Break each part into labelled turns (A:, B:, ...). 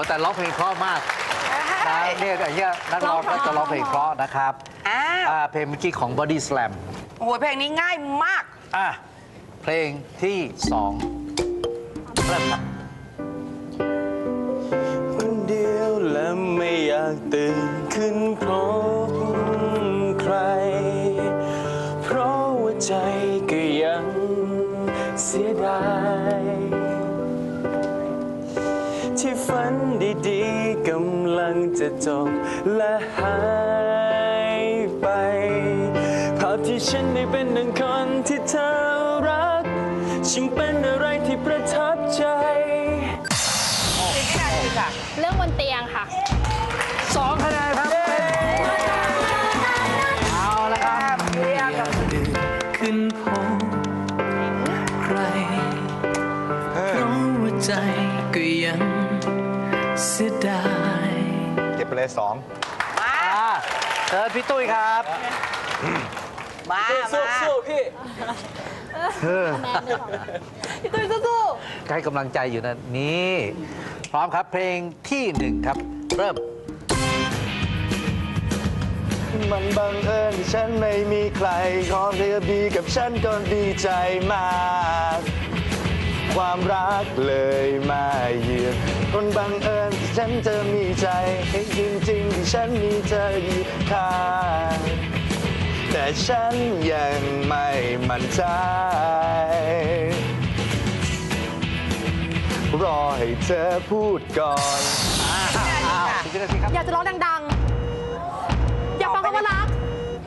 A: แต่ร้องเพลงเพราะมากนะเนี่ยอย่างเงี้ยนักร้องก็จะร้องเพลงเพราะนะครับเพลงเมื่อกี้ของ Body Slam
B: โอ้โหเพลงนี้ง่ายมาก
A: เพลงที่2เริ่มครับ
C: คนเดียวและไม่อยากตื่นขึ้นพบใครเพราะว่าใจก็ยังเสียดายที่ฝันดีๆกำลังจะจบและหายไปภาพที่ฉันได้เป็นหนึ่งคนที่เธอรักช่างเป็นอะไรที่ประทับใจ
D: เรื่องบนเตียงค่ะ
A: 2 คะแนนครับเอาละครับ
C: เรียกขึ้นพบใครเพราะว่าใจก็ยังเสียดาย
E: เก็บไปเลย2
A: เชิญพี่ตุ้ยครับ
B: มา
C: สู้พี่
D: พี่ตุ้ยสู้
A: ให้กำลังใจอยู่นะนี่พร้อมครับเพลงที่1ครับเริ่ม
C: มันบังเอิญที่ฉันไม่มีใครขอเธอดีกับฉันก็ดีใจมากความรักเลยมาเยือนคนบังเอิญที่ฉันเธอมีใจให้จริงๆที่ฉันมีเธออยู่ข้างแต่ฉันยังไม่มั่นใจรอให้เธอพูดก่อน
D: อยากจะร้องดังๆอยากฟังคำว่ารัก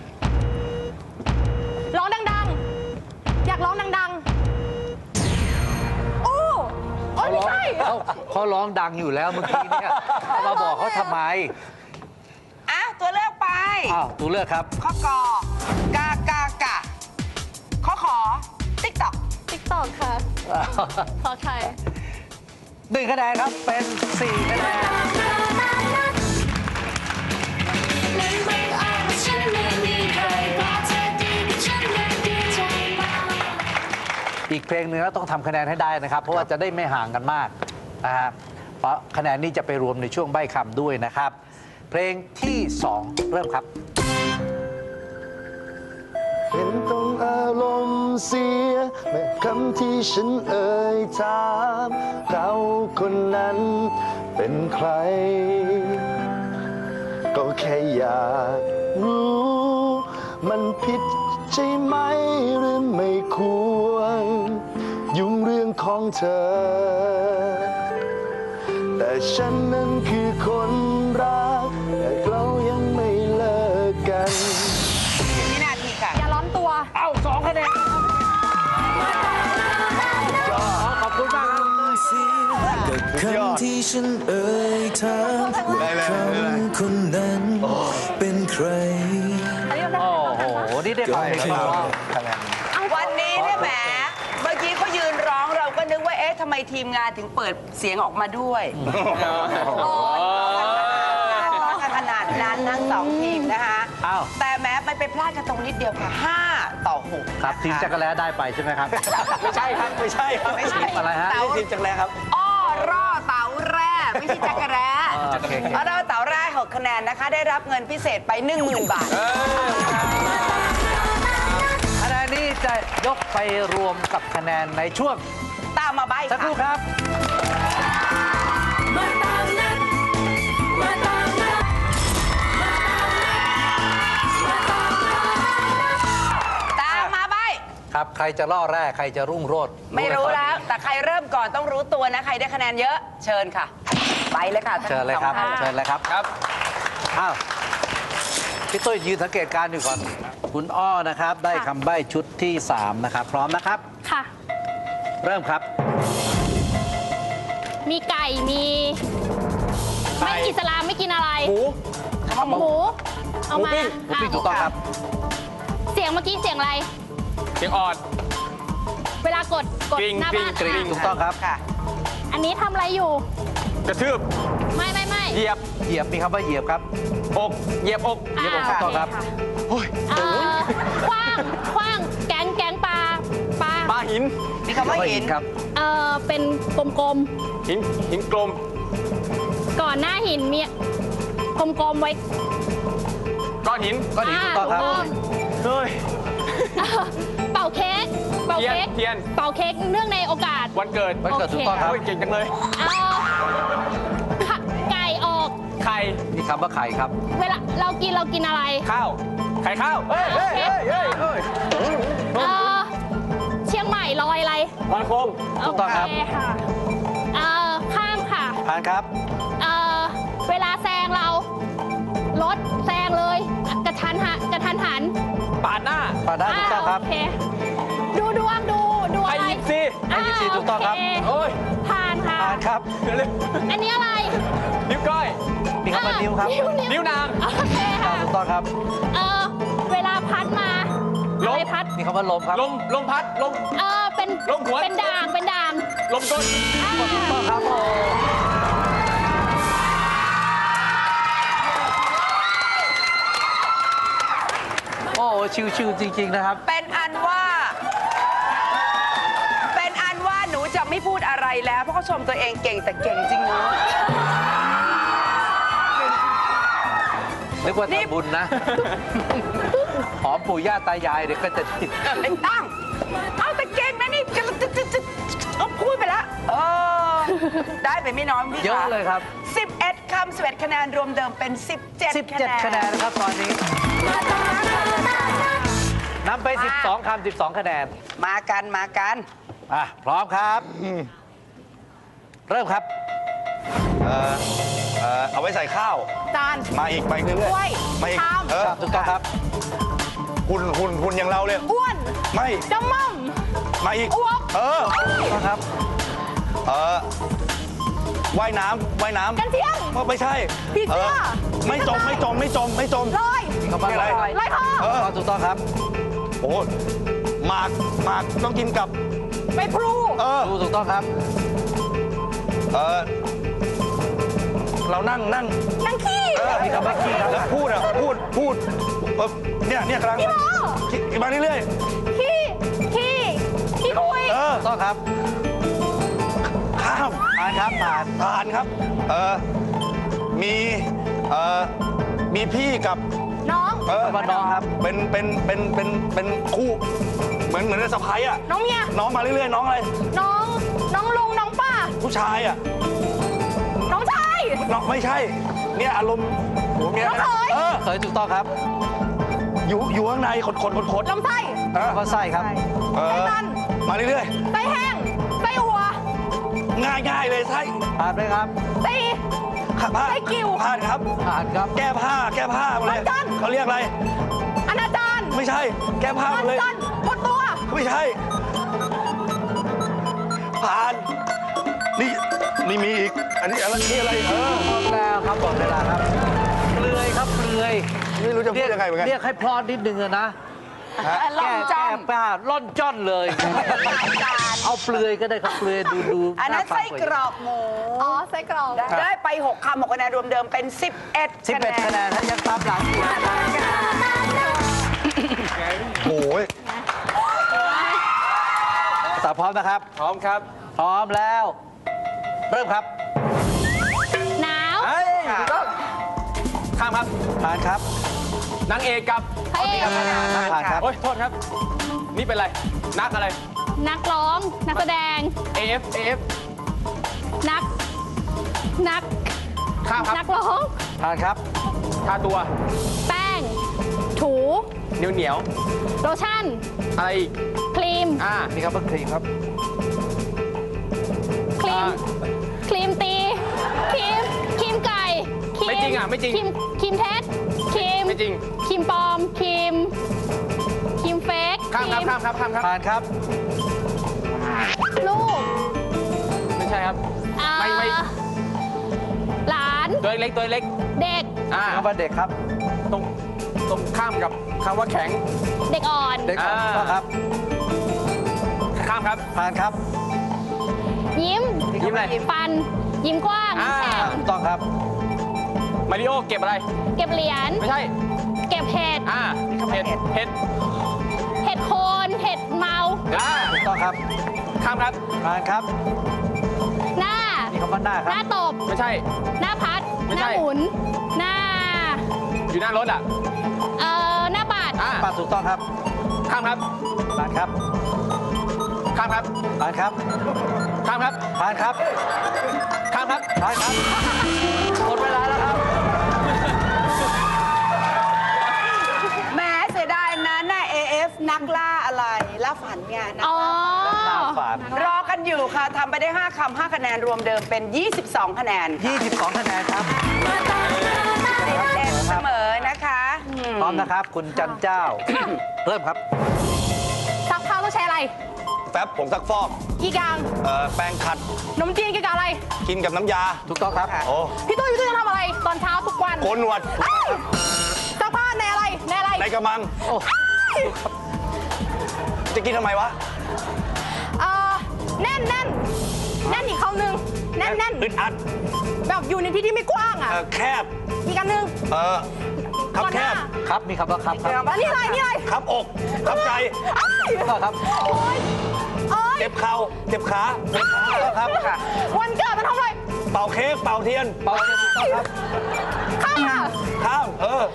D: ร้องดังๆอยากร้องดังๆโอ้ไม่ใช่
A: เขาร้องดังอยู่แล้วเมื่อกี้เนี่ยมาบอกเขาทำไม
B: ตัวเลือกไป
A: ตัวเลือกครับ
B: ข้อกกากะข้อขอติ๊กต็อก
D: ค่ะขอใคร
A: 1 คะแนนครับเป็น4 คะแนนอีกเพลงหนึ่งแล้วต้องทำคะแนนให้ได้นะครับเพราะว่าจะได้ไม่ห่างกันมากนะครับเพราะคะแนนนี้จะไปรวมในช่วงใบ้คำด้วยนะครับเพลงที่2เริ่มครับ
C: เห็นต้องอารมณ์เสียเมื่อคำที่ฉันเอ่ยถามเขาคนนั้นเป็นใครก็แค่อยากรู้มันผิดใช่ไหมหรือไม่ควรยุ่งเรื่องของเธอแต่ฉันนั้นคือคนรักแต่เรายังไม่เลิกกัน
B: วินาทีค่ะ
D: อย่าร้อนตัว
A: 2 คะแนนขอบคุณมากครับ
C: คำที่ฉันเอ่ยถามว่าคนนั้นเป็นใคร
A: โอ้โหนี่ได้ฟังเพลงว่า
B: วันนี้เนี่ยแหมเมื่อกี้เขายืนร้องเราก็นึกว่าทำไมทีมงานถึงเปิดเสียงออกมาด้วยขนาดนั้นทั้ง2 ทีมนะคะแต่แม้มันไปพลาดกันตรงนิดเดียวค่ะ5-6
A: ครับทีมจักรแล้ได้ไปใช่ไหมครับ
C: ไม่ใช่ครับไม่ใช่
A: อะไรฮะ
C: ทีมจักรแล้ครับ
B: ร่อเต๋าแร่ไม่ใช่จักรแร้ร่อเต๋าแร่6 คะแนนนะคะได้รับเงินพิเศษไป 10,000 บาท
A: คะแนนนี้จะยกไปรวมกับคะแนนในช่วง
B: ตามมาใบ้
A: สักครู่ครับครับใครจะล่อแร่ใครจะรุ่งโรจน์
B: ไม่รู้แล้วแต่ใครเริ่มก่อนต้องรู้ตัวนะใครได้คะแนนเยอะเชิญค่ะไปเลยค่ะ
A: เชิญเลยครับเชิญเลยครับพี่ตุ้ยยืนสังเกตการณ์อยู่ก่อนคุณอ้อนะครับได้คำใบ้ชุดที่3นะครับพร้อมนะครับ
D: ค่ะ
A: เริ่มครับ
D: มีไก่มีไม่อิสลามไม่กินอะไร
C: หมู
D: เอามาหมู
A: ปิ้งถูกต้องครับ
D: เสียงเมื่อกี้เสียงอะไร
C: เสียงออด
D: เวลากดหน้าบ้าน
A: ถูกต้องครับ
D: อันนี้ทำอะไรอยู่
C: กระทืบ
D: ไม่
C: เหยียบ
A: มีคำว่าเหยียบครับ
C: อกเหยียบอก
A: ถูกต้องครับ
D: คว้างแกงปลา
C: หิน
B: มีคำว่าหิน
A: ครับ
D: เป็นกลม
C: หินกลม
D: ก่อนหน้าหินมีกลมๆไว้
E: ก้อนหิน
A: ก็ดีถูกต้องครับ
E: เฮ้ย
D: เป่าเค้กเป่าเค้ก
E: เทียน
D: เป่าเค้กเนื่องในโอกาส
E: วันเกิด
A: วันเกิดถูกต้องครับ
E: โอ้ยเก่งจังเลย
D: ไก่ออก
E: ไข่
A: มีคำว่าไข่ครับ
D: เวลาเรากินอะไร
E: ข้าว ไข่ข้าว เฮ้ยเฮ้ยเฮ้ยเฮ้ยเฮ้ย
D: เอ่อเชียงใหม่ลอยอะไร
E: ลอยโคม
A: ถูกต้องครับ
D: โเค่ะข้ามค่ะ
A: ผ่านครับ
D: เวลาแซงเรา รถแซงเลย กระทันหัน
E: ปาดหน้า
A: ผ่านได้ถูกต้องครับ
D: โอเคดูดวงดู
E: ไอ้
D: อะไร
E: ยิปซี
A: ไอ้ยิปซีถูกต้องครับ
D: โเ
E: โอ้ย
D: ผ่านค่ะ
A: ผ่านครับ
E: เดี๋ยวเลย
D: อันนี้อะไร
E: นิ้วก้อย
A: มีคำว่านิ้วครับ
E: นิ้วนาง
D: โอเคค่ะ
A: ถูกต้องครับ
D: เวลาพัดมา
E: ลม
D: อะไรพัด
A: มีคำว่าลมครับ
E: ลมพัด ลม
D: เป็น
E: ลมหัว
D: เป็นด่าง
E: ลมก้น
A: ถูกต้องครับโอ้โอ้ชิวๆจริง ๆ นะครับ
B: เป็นอันว่าหนูจะไม่พูดอะไรแล้ว เพราะเขาชมตัวเองเก่งแต่เก่งจริงเนาะ
A: นึกว่าทำบุญนะ หอมปู่ย่าตายายเดี๋ยวก็จะติด
B: ไม่ต้องเอาแต่เก่งนะนี่จะพูดไปแล้วได้ไปไม่น้อยพี่
A: เยอะเลยครับ
B: 11 คำ 11 คะแนนรวมเดิมเป็น 17
A: 17 คะแนนนะครับตอนนี้นำไป 12 คำ 12 คะแนน
B: มากัน
A: พร้อมครับ เริ่มครับ
C: เอาไว้ใส่ข้าว
D: จาน
C: มาอีกไปเรื่อย
D: ถ้วย
C: ๆมาอีก
D: ชาม
A: ถูกต้องครับ
C: หุ่นอย่างเราเลย
D: อ้วน
C: ไม่
D: จำม่อม
C: มาอีก
D: อ้วก
A: ถูกต้องครับ
C: ว่ายน้ำ
D: กันเที่ยง
C: ไม่ใช่
D: ผีเสื้อ
C: ไม่จม
D: ลอย
A: มีคำว่า
C: อะไร
D: ลอยคอ
A: ถูกต้องครับ
C: โอ้หมากต้องกินกับ
D: ไปพลู
A: ถูกต้องครับ
C: เรานั่ง
D: นังขี้
A: มีคำว่าขี้ครับ
C: แล้วพูดเนี่ยกำลัง
D: พี่หมอ
C: มาเรื่อย
D: ขี้คุย
A: ถูกต้องครับ
C: ข้าม
A: ผ่านครับผ่าน
C: ครับมีพี่กับ
D: น้อง
A: คำว่าน้องครับ
C: เป็นคู่เหมือนในสะพ้ายอ่ะ
D: น้องเมีย
C: น้องมาเรื่อยๆน้องอะไร
D: น้องลุงน้องป้า
C: ผู้ชายอ่ะ
D: น้องชาย
C: น้องไม่ใช่ เนี่ยอารมณ์หัวเมีย
D: น้องเขย
A: เคยถูกต้องครับ
C: อยู่ข้างในขด
D: ลำไส้
A: คำว่าไส้ครับ
D: ไส้ตัน
C: มาเรื่อย
D: ไส้แห้งไส้อัว
C: ๆง่ายเลยใช่
A: ผ่านไหมครับ
D: ไส้
C: ผ้า
D: ไส้กิ่ว
C: ผ่านครับ
A: ผ่านครับ
C: แก้ผ้าหมดเลย
D: วันจันทร์
C: เขาเรียกอะไร
D: อนาจาร
C: ไม่ใช่ แก้ผ้าหมดเลย
D: จันหมดตัว
C: ไม่ใช่ ผ่าน นี่มีอีก อันนี้อะไรนี่อะไร
A: หมดแล้วครับหมดเวลาครับเปลือยครับเปลือย
C: ไม่รู้จะพูดยังไงเหมือนกัน
A: เรียกให้พลอดนิดนึงอะนะ
B: ล่อนจ้อน
A: แก้ผ้าล่อนจ้อนเลย เอาเปลือยก็ได้ครับเปลือยดู
B: อันนั้น
A: าฟัง
B: ไส้กรอกหมู
D: อ๋อไส้กรอก
B: ได้ไป 6 คำ 6 คะแนนรวมเดิมเป็น 11
A: 11 คะแนนถ้ายังตามหลังอยู่
C: โอ้ย
A: สาวพร้อมนะครับ
E: พร้อมครับ
A: พร้อมแล้ว เริ่มครับ
D: หนาว
A: เฮ้ยถูกต้อง
E: ข้ามครับ
A: ผ่านครับ
E: นางเอกกับ
D: พระเอก
A: ผ่านครับ
E: โอ้ย โทษครับ นี่เป็นอะไร นักอะไร
D: นักร้องนักแสดง
E: AF
D: นัก
E: ข้ามครับ
D: นักร้อง
A: ผ่านครับ
E: ทาตัว
D: แป้ง ถู
E: เหนียว
D: โลชั่น
E: อะไรอีก
D: ครีม
A: มีคำว่าครีมครับ
D: ครีมตี ครีมไก่ค
E: ไม่จริงอ่ะไม่จริง
D: ครีมเท็จครีม
E: ไม่จริง
D: ครีมปลอมครีมเฟก
E: ข้ามครับ ข้ามครับ ข้ามครับ
A: ผ่านครับ
D: ลูก
E: ไม่ใช่ครับ ไม่
D: หลาน
E: ตัวเล็ก ตัวเล็ก
D: เด็ก
A: มีคำว่าเด็กครับ
E: ตรงข้ามกับคำว่าแข็ง
D: เด็กอ่อน
A: เด็กอ่อนถูกต้องครับ
E: ข้ามครับ
A: ผ่านครับ
D: ยิ้ม
E: ยิ้มอะไร
D: ฟัน ยิ้มกว้างยิ้มแฉ่ง
A: ถูกต้องครับ
E: มาริโอเก็บอะไร
D: เก็บเหรียญ
E: ไม่ใช่
D: เก็บเห็ด
E: เห็ด
D: เห็ดโคน เห็ดเมา
A: ถูกต้องครับ
E: ข้ามครับ
A: ผ่านครับ
D: หน้า
A: มีคำว่าหน้าค
D: ห
A: รับ
D: น้าตบ
E: ไม่ใช่
D: หน้าพัด
E: ไม่
D: ห
E: ใช่
D: น้าหมุน หน้า
E: อยู่หน้ารถอ่ะ
D: หน้าบาด
A: ป้าถูกต้องครับ
E: ข้ามครับ
A: ผ่านครับ
E: ข้ามครับ
A: ผ่านครับ
E: ข้ามครับ
A: ผ่านครับ
E: ข้ามครับ
A: ผ่านครับหมดเวลาแล้วครับ
B: แหมเสียดายนะหน้า AF นักล่าอะไรล่าฝันไงนะ
D: อ๋อ
A: หน้าฝาด
B: รอกันอยู่ค่ะทำไปได้ 5 คำ 5 คะแนนรวมเดิมเป็น 22 คะแนนค่ะ
A: 22 คะแนนครับ
B: เด็ดเสมอนะคะอืม
A: พร้อมนะครับ คุณจันเจ้า เริ่มครับ
D: ซักผ้าต้องใช้อะไร
C: แฟบผงซักฟอก
D: กี่กลาง
C: แปรงขัด
D: นมจีนกี่กลางอะไร
C: กินกับน้ำยา
A: ถูกต้องครับ
C: โอ้
D: พี่ตุ้ยจะทำอะไร ตอนเช้าทุกวัน
C: โกนหนวด
D: เอ้ยซักผ้าในอะไร ในอะไร
C: ในกระมัง
A: โอ้
C: จะกินทำไมวะ
D: แน่นแน่นแน่นอีกคำหนึ่งแน่นแน่น
C: อึดอัด
D: แบบอยู่ในที่ที่ไม่กว้างอ่ะ
C: แคบ
D: อีกอันหนึ่ง
C: ครับ
D: ก่อน
C: แค
D: หน้า
C: บ
A: ครับ มีคำว่าครับครับ
D: อันนี้อะไรนี่อะไร
C: ครับอกครับใจ
D: เอ้ย
A: ถูกต้องครับ
D: โอ๊ยโอ๊ย
C: เจ็บเข่าเจ็บขาเจ็บขา
A: ถูกต้องครับค่ะ
D: วันเกิดมันทำอะไร
C: เป่าเค้กเป่าเทียน
A: เปาเทียนถูกต้องครับ
D: ข้ามค่ะ
C: ข้าม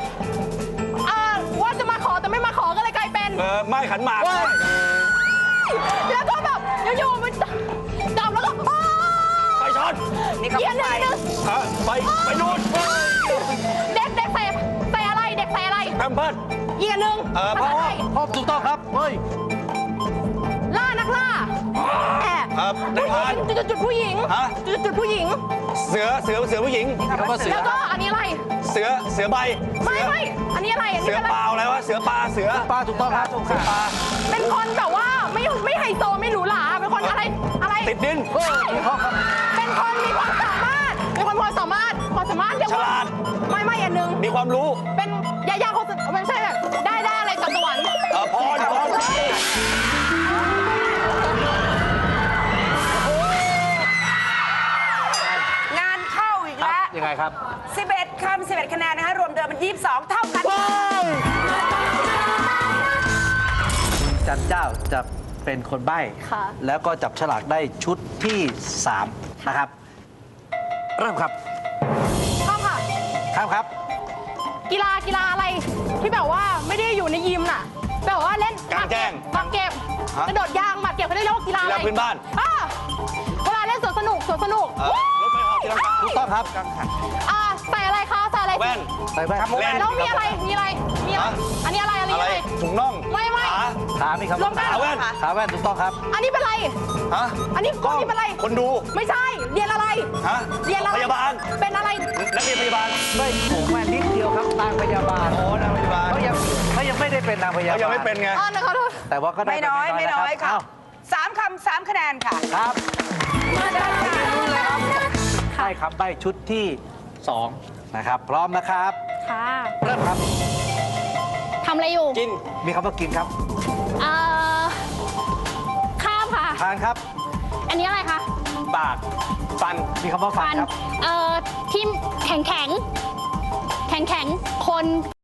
D: ว่าจะมาขอแต่ไม่มาขอก็เลยกลายเป็น
C: ไม้ขันหมาก
D: แล้วก็แบบอยู่ๆมันจับแล้วก็อ้าว
C: ไฟช็อต
B: นี่
D: เกีย
B: คำ
D: ร์ห
B: ไป
D: นึ่ง
C: ไปดูด
D: เด็กใส่อะไรเด็กใส่อะไร
C: แพมเพิร์ด
D: อีกอันหนึ่ง
C: พ่อ
D: ภาษาไทย
A: พร้อมถูกต้องครับ เฮ้ย
D: ล่านักล่าแอบ
C: ได้ผ่าน
D: จุดผู้หญิง
C: ฮะ
D: จุดผู้หญิง
C: เสือผู้หญิง
A: มีคำว่าเสือ
D: แล้วก็อันนี้อะไร
C: เสือใบ
D: ไม่อันนี้อะไรอัน
C: เสื
D: นี้
C: อ
D: อะไร
C: เปล่าอะไรวะเสือปลาเสือ
A: ป้าถูกต้องครับ
C: เสือปลา
D: เป็นคนแบบว่าไม่ไฮโซไม่หรูหราเป็นคนอะไรอะไร
C: ติดดิน
A: เฮ้ยถูกต้องครับ
D: เป็นคนมีความสามารถเป็นคนความสามารถเรียก
C: ฉ
D: ว่า
C: ลาด
D: ไม่อันหนึ่ง
C: มีความรู้
D: เป็นยาคนไม่ใช่แบบได้อะไรจากสวรรค์
C: พร
B: งานเข้าอีก
A: ครับ
B: แล้ว
A: ยังไงครับ
B: 11 คำ 11 คะแนนนะคะ รวมเดิมเป็น 22 เท่ากัน
A: จันเจ้าจะเป็นคนใบ้
D: ค่ะ
A: แล้วก็จับฉลากได้ชุดที่ 3 นะครับ เริ่มครับ
D: ข้ามค่ะ
A: ครับครับ
D: กีฬาอะไรที่แบบว่าไม่ได้อยู่ในยิมน่ะแบบว่าเล่น
C: กลางแจ้ง
D: หมากเก็บกระโดดยางหมากเก็บเขาเรียกว่ากีฬาอะไร
C: กีฬาพื้นบ้าน
D: เวลาเล่นสวนสนุก
C: รถไฟเหาะตีลังกา
A: ถูกต้องครับ
D: ใส่อะไรคะใส่อะไร
C: แว่น
A: ใส่แว่น
C: แว่น
D: แล้วมีอะไรอันนี้อะไร
C: อะไรถุงน่อง
D: ไม่
C: ขา
A: ขามีคำ
D: รว
A: ว่าม
D: กัน
C: ขาแว่น
A: ขาแว่นถูกต้องครับ
D: อันนี้เป็นอะไร
C: ฮะ
D: อันนี้
C: กล้อง
D: เป็นอะไร
C: คนดู
D: ไม่ใช่เรียนอะไร
C: ฮะ
D: เรียนอะไร
C: พยาบาล
D: เป็นอะไร
C: นักเรียนพยาบาล
A: ไม่ถูกแว่นนิดเดียวครับนางพยาบาล
C: โอ้นางพยาบาล
A: เขายังไม่ได้เป็นนางพยาบาล
C: เขายังไม่เป็นไง
D: ขอโทษ
A: แต่ว่าก็ได้
B: ไม่น้อย
A: ป
B: ไม่
A: ะ
B: น้อย
A: รับ
B: ค่ะ
A: เอ้า
B: 3 คำ 3 คะแนนค่ะ
A: ครับได้คำใบ้ชุดที่ 2 นะครับ พร้อมนะครับ
D: ค่ะ
A: เริ่มครับ
D: ทำอะไรอยู่
C: กิน
A: มีคำว่ากินครับ
D: ข้ามค่ะ
A: ทานครับ
D: อันนี้อะไรคะ
C: ปาก ฟัน
A: มีคำว่าฟันครับ
D: ที่แข็งคน